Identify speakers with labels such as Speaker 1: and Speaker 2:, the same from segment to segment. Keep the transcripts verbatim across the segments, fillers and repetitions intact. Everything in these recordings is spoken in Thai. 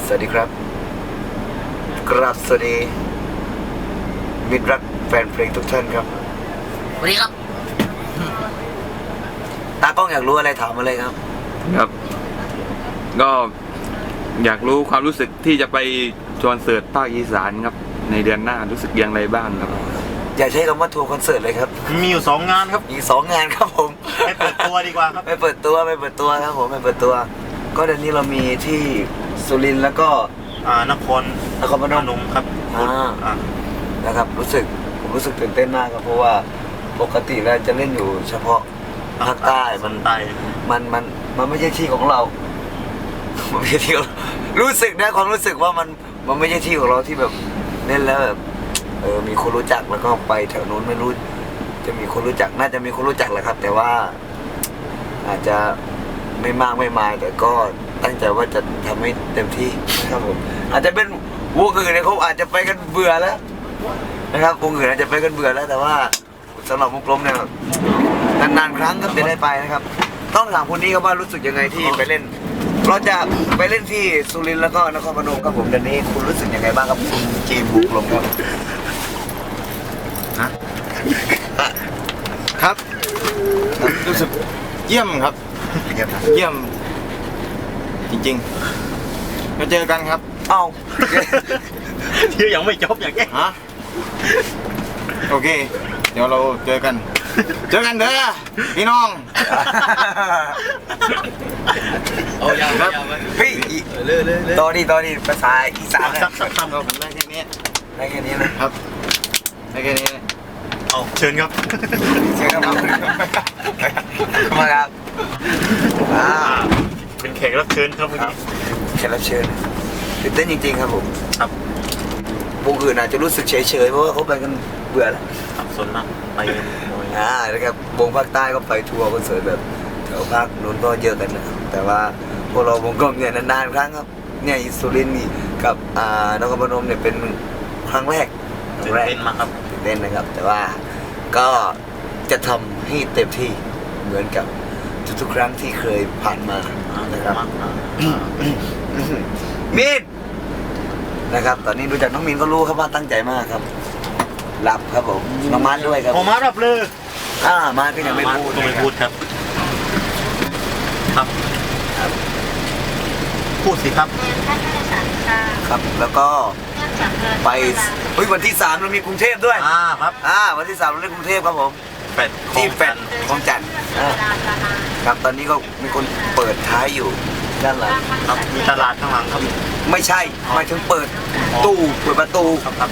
Speaker 1: สวัสดีครับกราบสวัสดีมิตรรักแฟนเพลงทุกท่านครับ
Speaker 2: สวัสดีครับ
Speaker 1: ตากล้องอยากรู้อะไรถามมาเลยครับ
Speaker 3: ครับก็อยากรู้ความรู้สึกที่จะไปคอนเสิร์ตภาคอีสานครับในเดือนหน้ารู้สึกอย่างไรบ้างครับ
Speaker 1: อย่าใช้คำว่าทัวร์คอนเสิร์ตเลยครับ
Speaker 4: มีอยู่สองงานครับ
Speaker 1: มีสองงานครับผม
Speaker 4: ไปเปิดตัวดีกว่าครับ
Speaker 1: ไปเปิดตัวไปเปิดตัวครับผมไปเปิดตัวก็เดือนนี้เรามีที่สุรินทร์แล้วก็
Speaker 4: อ่านคร
Speaker 1: นครพนม
Speaker 4: ครับ
Speaker 1: อ่านะครับรู้สึกผมรู้สึกตื่นเต้นมากครับเพราะว่าปกติเราจะเล่นอยู่เฉพาะภาคใต้มัน
Speaker 4: ใต้
Speaker 1: มันมันมันไม่ใช่ที่ของเรามันไม่ใช่ที่ของรู้สึกนะความรู้สึกว่ามันมันไม่ใช่ที่ของเราที่แบบเล่นแล้วแบบเออมีคนรู้จักแล้วก็ไปแถวนู้นไม่รู้จะมีคนรู้จักน่าจะมีคนรู้จักแหละครับแต่ว่าอาจจะไม่มากไม่มายแต่ก็ตั้งใจว่าจะทำให้เต็มที่นะครับผมอาจจะเป็นวงอื่นเนี่ยเขาอาจจะไปกันเบื่อแล้วนะครับวงอื่นอาจจะไปกันเบื่อแล้วแต่ว่าสำหรับวงกลมเนี่ยนานๆครั้งก็จะได้ไปนะครับต้องถามคนนี้ครับว่ารู้สึกยังไงที่ไปเล่นเราจะไปเล่นที่สุรินทร์แล้วก็นครพนมครับผมเดือนนี้คุณรู้สึกยังไงบ้างครับคุณจีนบุกลมครับ
Speaker 5: ฮะครับรู้สึกเยี่ยมครับเยี่ยมจริงๆมาเจอกันครับ
Speaker 1: เอ้า
Speaker 4: ที่ยังไม่จบอย่างแก
Speaker 5: ฮะโอเคเดี๋ยวเราเจอกันเจอกันเด้อพี่น้อง
Speaker 1: เอาอย่างครับพี่ตอนนี้ตอนนี้ภาษาอีสาน
Speaker 4: สักสักคำเราผม
Speaker 1: ได้แค่นี้ได้แค่นี้นะครับ
Speaker 5: ได้แค่นี้
Speaker 4: เอาเชิญครับ
Speaker 1: เชิญครับมาครับอ่า
Speaker 4: เป็นแขกรับเชิญครับเมื่อกี้
Speaker 1: แขกรับเชิญตื่นเต้นจริงๆครับผม
Speaker 4: ครับ
Speaker 1: วงอื่นอาจจะรู้สึกเฉยๆเพราะว่าเขาไปกันเบื่อแล้ว
Speaker 4: ส่วนมากไป
Speaker 1: อ่านะครับวงภาคใต้ก็ไปทัวร์คอนเสิร์ตแบบแถวภาคนู้นก็เยอะกันนะครับแต่ว่าพวกเราวงกลมเนี่ยนานๆครั้งครับเนี่ยสุรินทร์นี่กับอ่านครพนมเนี่ยเป็นครั้งแรก
Speaker 4: ตื่นเต้นมากครับ
Speaker 1: ตื่นเต้นนะครับแต่ว่าก็จะทำให้เต็มที่เหมือนกับทุกๆครั้งที่เคยผ่านมานะครับมินนะครับตอนนี้ดูจากน้องมินก็รู้ครับว่าตั้งใจมากครับหลับครับผมน้องมาร์ทด้วยครับ
Speaker 4: ผมมาร์ทหลับเลย
Speaker 1: อ่ามาร์ทก็ยังไม่พูด
Speaker 4: ไม่พูดครับครับพูดสิครับ
Speaker 1: ครับแล้วก็ไปเฮ้ยวันที่สามเรามีกรุงเทพด้วย
Speaker 4: อ่าครับ
Speaker 1: อ่าวันที่สามเราเล่นกรุงเทพครับผม
Speaker 4: แปด
Speaker 1: ที่แปดของจันทร์ครับตอนนี้ก็มีคนเปิดท้ายอยู่ด้านหลัง
Speaker 4: ครับมีตลาดข้างหลังครับ
Speaker 1: ไม่ใช่หมายถึงเปิดตู้เปิดประตู
Speaker 4: ครับครับ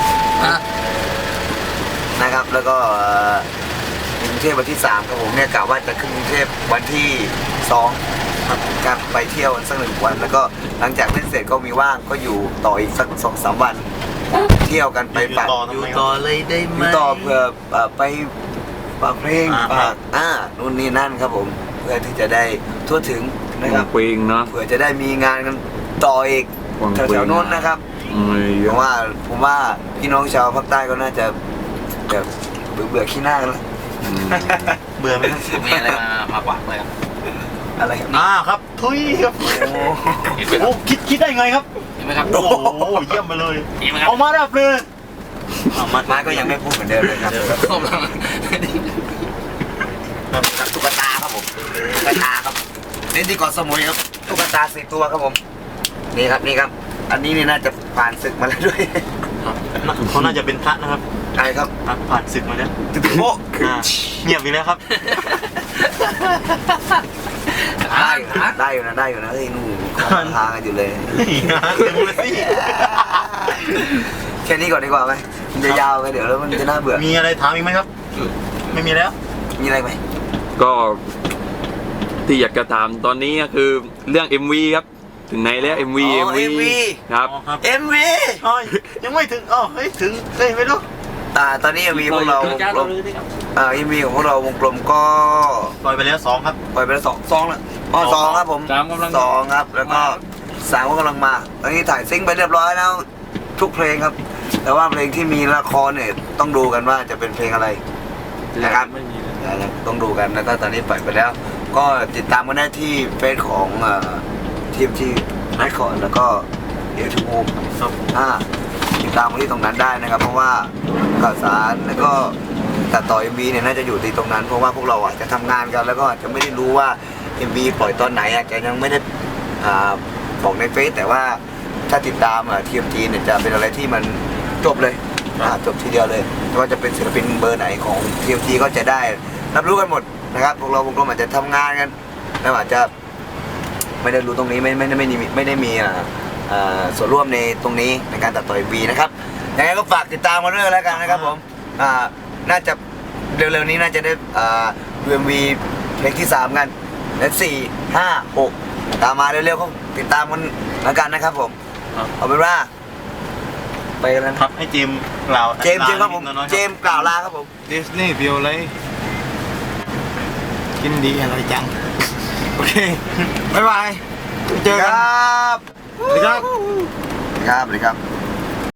Speaker 1: นะครับแล้วก็กรุงเทพวันที่สามครับผมเนี่ยกะว่าจะขึ้นกรุงเทพวันที่สองครับไปเที่ยวสักหนึ่งวันแล้วก็หลังจากเล่นเสร็จก็มีว่างก็อยู่ต่ออีกสักสองสามวันเที่ยวกันไปปัด
Speaker 4: อยู่ต่อเลยได้ไหม
Speaker 1: ต่อเพื่อไปฝากเพลงฝากอ่านู่นนี่นั่นครับผมเพื่อที่จะได้ทั่วถึงนะครับ
Speaker 3: เพลงเนาะ
Speaker 1: เพื่อจะได้มีงานกันต่ออีกแถวๆโน้นนะครับผมว่าผมว่าพี่น้องชาวภาคใต้ก็น่าจะแบบเบื่อเบื่อขี้หน้ากันแล้ว
Speaker 4: เบื่อไหม
Speaker 2: มีอะไรมามากกว่าเลยครับ
Speaker 1: อะไรครับ
Speaker 4: อ่าครับทุยครับโอ้คิดคิดได้ไงครับ
Speaker 2: เห็นไหมครับ
Speaker 4: โอ้โหเยี่ยมไปเลยเอามาดับเลย
Speaker 1: มาก็ยังไม่พูดเหมือนเดิมเลยครับตุ๊กตาครับผมตุ๊กตาครับเล่นที่เกาะสมุยครับตุ๊กตาสี่ตัวครับผมนี่ครับนี่ครับอันนี้นี่น่าจะผ่านศึกมาแล้วด้วย
Speaker 4: เขาน่าจะเป็นพระนะครับ
Speaker 1: ใช่ครับ
Speaker 4: ผ่านศึกมาแล้ว
Speaker 1: ตึ๊บโป๊ะ
Speaker 4: เงียบอีกแล้วครับ
Speaker 1: ได้ได้อยู่นะได้อยู่นะเฮ้ยนู่นทางกันอยู่เลยแค่นี้ก่อนดีกว่าไหมมันจะยาวไปเดี๋ยวแล้วมันจะน่าเบื่อ
Speaker 4: มีอะไรถามอีกไหมครับไม่มีแล้ว
Speaker 1: มีอะไรไหม
Speaker 3: ก็ที่อยากจะถามตอนนี้ก็คือเรื่อง เอ็ม วี ครับถึงไหนแล้ว เอ็ม วี เอ็ม วี ครับ
Speaker 1: เอ็ม วี
Speaker 4: ยังไม่ถึงอ๋อเฮ้ยถึงเฮ้ยไม่รู้
Speaker 1: ตาตอนนี้ เอ็ม วี ของเราวงกลมอ่า เอ็ม วี ของพวกเราวงกลมก็
Speaker 4: ปล่อยไปแล้วสองครับ
Speaker 1: ปล่อยไปแล้วสองสองแล้วอ๋อสองครับผมสองครับแล้วก็สามก็กำลังมาตอนนี้ถ่ายซิงค์ไปเรียบร้อยแล้วทุกเพลงครับแต่ว่าเพลงที่มีละครเนี่ยต้องดูกันว่าจะเป็นเพลงอะไรนะครับต้องดูกันแล้วก็ตอนนี้ปล่อยไปแล้วก็ติดตามกันได้ที่เฟซของทีมที่ไลฟ์คอร์ดแล้วก็เอทูอ่าติดตามมาที่ตรงนั้นได้นะครับ เพราะว่าข่าวสารแล้วก็ตัดต่อ เอ็ม วี เนี่ยน่าจะอยู่ที่ตรงนั้น เพราะว่าพวกเราอาจจะทำงานกันแล้วก็อาจจะไม่ได้รู้ว่า เอ็ม วี ปล่อยตอนไหนอาจจะยังไม่ได้อ่าบอกในเฟซแต่ว่าถ้าติดตามอ่ะ ที เอ็ม ที เนี่ยจะเป็นอะไรที่มันจบเลยอ่าจบทีเดียวเลยไม่ว่าจะเป็นศิลปินเบอร์ไหนของ ที เอ็ม ที ก็จะได้รับรู้กันหมดนะครับพวกเราพวกเราอาจจะทำงานกันแล้วอาจจะไม่ได้รู้ตรงนี้ไม่ไม่ได้ไม่ได้มีไม่ได้มีอ่าอ่าส่วนร่วมในตรงนี้ในการตัดต่อ เอ็ม วี นะครับยังไงก็ฝากติดตามมาด้วยแล้วกันนะครับผมอ่าน่าจะเร็วๆนี้น่าจะได้อ่า เอ็ม วี เพลงที่สามกันและสี่ห้าหกตามมาเร็วๆก็ติดตามกันแล้วกันนะครับผมเอาเป็นว่าไปกันแล้ว
Speaker 4: ครับให้เจมส์กล่าว
Speaker 1: เจมส์เจมส์ครับผมเจมส์กล่าวลาครับผม
Speaker 5: ดิสนีย์เพียวเลยกินดีอร่อยจัง โอเค บ๊ายบาย เจอ
Speaker 1: ค
Speaker 5: กัน
Speaker 1: รับ
Speaker 5: สวัสดีครับ
Speaker 1: ครับสวัสดีครับ